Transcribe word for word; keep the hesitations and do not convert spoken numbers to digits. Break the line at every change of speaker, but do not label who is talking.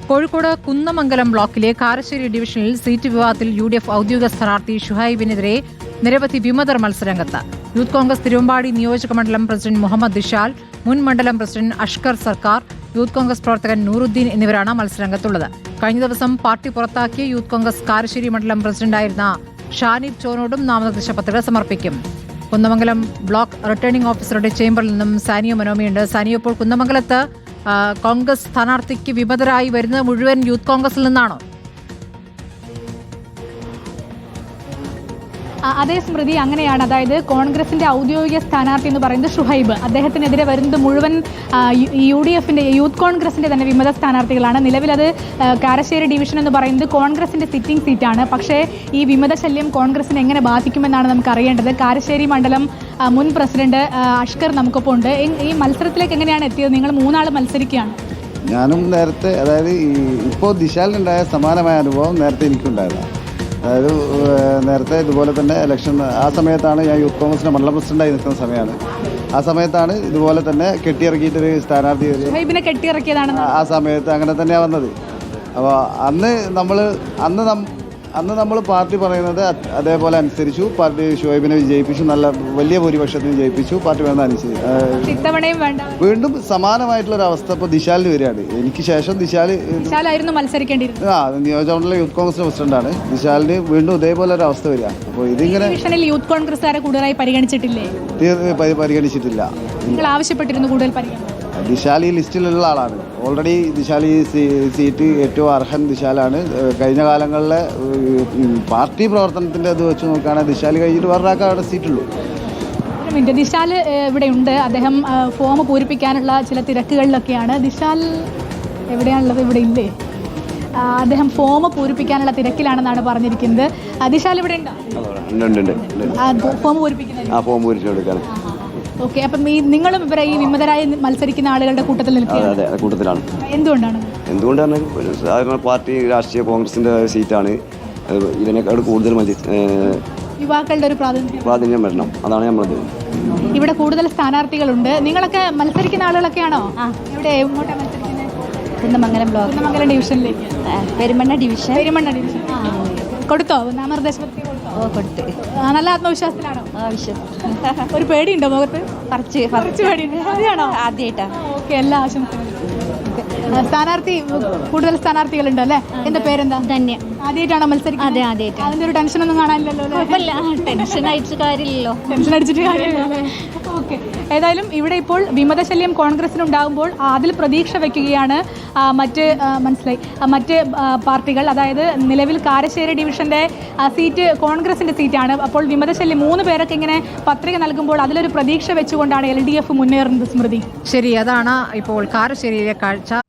കോഴിക്കോട് കുന്നമംഗലം ബ്ലോക്കിലെ കാരശ്ശേരി ഡിവിഷനിൽ സീറ്റ് വിവാദത്തിൽ യു ഡി എഫ് ഔദ്യോഗിക സ്ഥാനാർത്ഥി ഷുഹൈബിനെതിരെ നിരവധി വിമതർ മത്സരരംഗത്ത്. യൂത്ത് കോൺഗ്രസ് തിരുവമ്പാടി നിയോജക മണ്ഡലം പ്രസിഡന്റ് മുഹമ്മദ് ദിശാൽ, മുൻ മണ്ഡലം പ്രസിഡന്റ് അഷ്കർ സർക്കാർ, യൂത്ത് കോൺഗ്രസ് പ്രവർത്തകൻ നൂറുദ്ദീൻ എന്നിവരാണ് മത്സരരംഗത്തുള്ളത്. കഴിഞ്ഞ ദിവസം പാർട്ടി പുറത്താക്കിയ യൂത്ത് കോൺഗ്രസ് കാരശ്ശേരി മണ്ഡലം പ്രസിഡന്റായിരുന്ന ഷാനിബ് ചോനോടും നാമനിർദ്ദേശ പത്രിക സമർപ്പിക്കും. കുന്നമംഗലം ബ്ലോക്ക് റിട്ടേണിംഗ് ഓഫീസറുടെ ചേംബറിൽ നിന്നും സാനിയോ മനോമിയുണ്ട്. സാനിയോ, ഇപ്പോൾ കുന്നമംഗലത്ത് കോൺഗ്രസ് സ്ഥാനാർത്ഥിക്ക് വിമതരായി വരുന്നത് മുഴുവൻ യൂത്ത് കോൺഗ്രസിൽ നിന്നാണോ?
അതേ സ്മൃതി, അങ്ങനെയാണ്. അതായത് കോൺഗ്രസിന്റെ ഔദ്യോഗിക സ്ഥാനാർത്ഥി എന്ന് പറയുന്നത് ഷുഹൈബ്. അദ്ദേഹത്തിനെതിരെ വരുന്നത് മുഴുവൻ യു ഡി എഫിന്റെ യൂത്ത് കോൺഗ്രസിന്റെ തന്നെ വിമത സ്ഥാനാർത്ഥികളാണ്. നിലവിലത് കാരശ്ശേരി ഡിവിഷൻ എന്ന് പറയുന്നത് കോൺഗ്രസിന്റെ സിറ്റിംഗ് സീറ്റാണ്. പക്ഷേ ഈ വിമത ശല്യം കോൺഗ്രസിനെ എങ്ങനെ ബാധിക്കുമെന്നാണ് നമുക്ക് അറിയേണ്ടത്. കാരശ്ശേരി മണ്ഡലം മുൻ പ്രസിഡന്റ് അഷ്കർ നമുക്കൊപ്പം ഉണ്ട്. ഈ മത്സരത്തിലേക്ക് എങ്ങനെയാണ് എത്തിയത്? നിങ്ങൾ മൂന്നാൾ മത്സരിക്കുകയാണ്.
ഞാനും നേരത്തെ, അതായത് ഇപ്പോൾ ദിശാലിനുണ്ടായ സമാനമായ അനുഭവം നേരത്തെ എനിക്കുണ്ടായതാണ്. അതായത് നേരത്തെ ഇതുപോലെ തന്നെ ഇലക്ഷൻ ആ സമയത്താണ് ഞാൻ യൂത്ത് കോൺഗ്രസിൻ്റെ മണ്ഡലം പ്രസിഡന്റായി നിൽക്കുന്ന സമയമാണ്. ആ സമയത്താണ് ഇതുപോലെ തന്നെ കെട്ടിയിറക്കിയിട്ടൊരു സ്ഥാനാർത്ഥി
കെട്ടിയിറക്കിയതാണ്.
ആ സമയത്ത് അങ്ങനെ തന്നെയാണ് വന്നത്. അപ്പോൾ അന്ന് നമ്മൾ അന്ന് അന്ന് നമ്മൾ പാർട്ടി പറയുന്നത് അതേപോലെ അനുസരിച്ചു. പാർട്ടി ഷുഹൈബിനെ വിജയിപ്പിച്ചു, നല്ല വലിയ ഭൂരിപക്ഷത്തിന് വിജയിപ്പിച്ചു. പാർട്ടി വേണ്ട അനുസരിച്ച് വീണ്ടും സമാനമായിട്ടുള്ള ഒരു അവസ്ഥ ഇപ്പോൾ ദിശാലിന് വരികയാണ്. എനിക്ക് ശേഷം ദിശാലായിരുന്നു
മത്സരിക്കേണ്ടിയിരുന്നത്.
ആ നിയോജകമണ്ഡലം യൂത്ത് കോൺഗ്രസിന്റെ പ്രസിഡന്റാണ്. ദിശാലിന് വീണ്ടും ഇതേപോലെ ഒരു അവസ്ഥ വരിക. അപ്പോൾ ഇതിങ്ങനെ
യൂത്ത് കോൺഗ്രസ്സുകാരെ കൂടുതലായി പരിഗണിച്ചിട്ടില്ലേ?
പരിഗണിച്ചിട്ടില്ല.
നിങ്ങൾ ആവശ്യപ്പെട്ടിരുന്നു കൂടുതൽ പരിഗണന.
ദിശാൽ ഈ ലിസ്റ്റിലുള്ള ആളാണ്. ഓൾറെഡി ദിശാൽ ഈ സീറ്റ് ഏറ്റവും അർഹൻ ദിശാലാണ്. കഴിഞ്ഞ കാലങ്ങളിലെ പാർട്ടി പ്രവർത്തനത്തിൻ്റെ അത് വെച്ച് നോക്കുകയാണെങ്കിൽ ദിശാൽ കഴിഞ്ഞിട്ട് വേറൊരാൾക്ക് അവിടെ സീറ്റുള്ളൂ.
ദിശാൽ ഇവിടെ ഉണ്ട്. അദ്ദേഹം ഫോം പൂരിപ്പിക്കാനുള്ള ചില തിരക്കുകളിലൊക്കെയാണ്. ദിശാൽ എവിടെയാണുള്ളത്? ഇവിടെ ഇല്ലേ? അദ്ദേഹം ഫോം പൂരിപ്പിക്കാനുള്ള തിരക്കിലാണെന്നാണ് പറഞ്ഞിരിക്കുന്നത്. ദിശാൽ ഇവിടെ ഉണ്ടോ? ഫോം പൂരിപ്പിക്കുന്നത്. ഓക്കെ, അപ്പം ഈ നിങ്ങളും ഇവരെ ഈ വിമതരായി മത്സരിക്കുന്ന ആളുകളുടെ കൂട്ടത്തിൽ നിൽക്കുകയാണ്.
കൂട്ടത്തിലാണ്.
എന്തുകൊണ്ടാണ്?
എന്തുകൊണ്ടാണ് സാധാരണ പാർട്ടി രാഷ്ട്രീയ കോൺഗ്രസിന്റെ സീറ്റാണ്. ഇതിനേക്കാൾ കൂടുതൽ
യുവാക്കളുടെ ഒരു പ്രാതിനിധ്യം
പ്രാധാന്യം വരണം. അതാണ് നമ്മളത്.
ഇവിടെ കൂടുതൽ സ്ഥാനാർത്ഥികളുണ്ട്. നിങ്ങളൊക്കെ മത്സരിക്കുന്ന ആളുകളൊക്കെയാണോ? ഇവിടെ എങ്ങോട്ടാണ് മത്സരിക്കുന്നത്?
കുന്നമംഗലം ബ്ലോക്ക്
കുന്നമംഗലം ഡിവിഷനിലേക്ക്.
പെരുമണ്ണ ഡിവിഷൻ.
പെരുമണ്ണ ഡിവിഷൻ കൊടുത്തോ? നാമനിർദ്ദേശ പത്രിക
ഓ കൊടുത്തു.
നല്ല ആത്മവിശ്വാസത്തിലാണോ?
വിശ്വാസം.
ഒരു പേടിയുണ്ടോ മുഖത്ത്?
കുറച്ച്
കുറച്ച് പേടിയുണ്ട്. അതെയാണോ?
ആദ്യമായിട്ടാണ്.
ഓക്കെ, എല്ലാ ആശംസകളും. സ്ഥാനാർത്ഥി കൂടുതൽ സ്ഥാനാർത്ഥികളുണ്ട് അല്ലേ? എന്റെ പേരെന്താ?
ധന്യ.
ആദ്യമായിട്ടാണോ മത്സരിക്കുന്നത്?
അതെ, ആദ്യമായിട്ട്.
അതിന്റെ ഒരു ടെൻഷനൊന്നും കാണാനില്ലല്ലോ?
ടെൻഷൻ അടിച്ചിട്ട് കാര്യമില്ലല്ലോ.
ടെൻഷൻ അടിച്ചിട്ട് കാര്യമില്ലല്ലേ? ഓക്കെ, ഏതായാലും ഇവിടെ ഇപ്പോൾ വിമതശല്യം കോൺഗ്രസിനുണ്ടാകുമ്പോൾ അതിൽ പ്രതീക്ഷ വയ്ക്കുകയാണ് മറ്റ് മനസ്സിലായി മറ്റ് പാർട്ടികൾ. അതായത് നിലവിൽ കാരശ്ശേരി ഡിവിഷന്റെ സീറ്റ് കോൺഗ്രസിന്റെ സീറ്റാണ്. അപ്പോൾ വിമതശല്യം മൂന്ന് പേരൊക്കെ ഇങ്ങനെ പത്രിക നൽകുമ്പോൾ അതിലൊരു പ്രതീക്ഷ വെച്ചുകൊണ്ടാണ് എൽ ഡി എഫ് മുന്നേറുന്നത്. സ്മൃതി,
ശരി, അതാണ് ഇപ്പോൾ കാരശ്ശേരിയിലെ കാഴ്ച.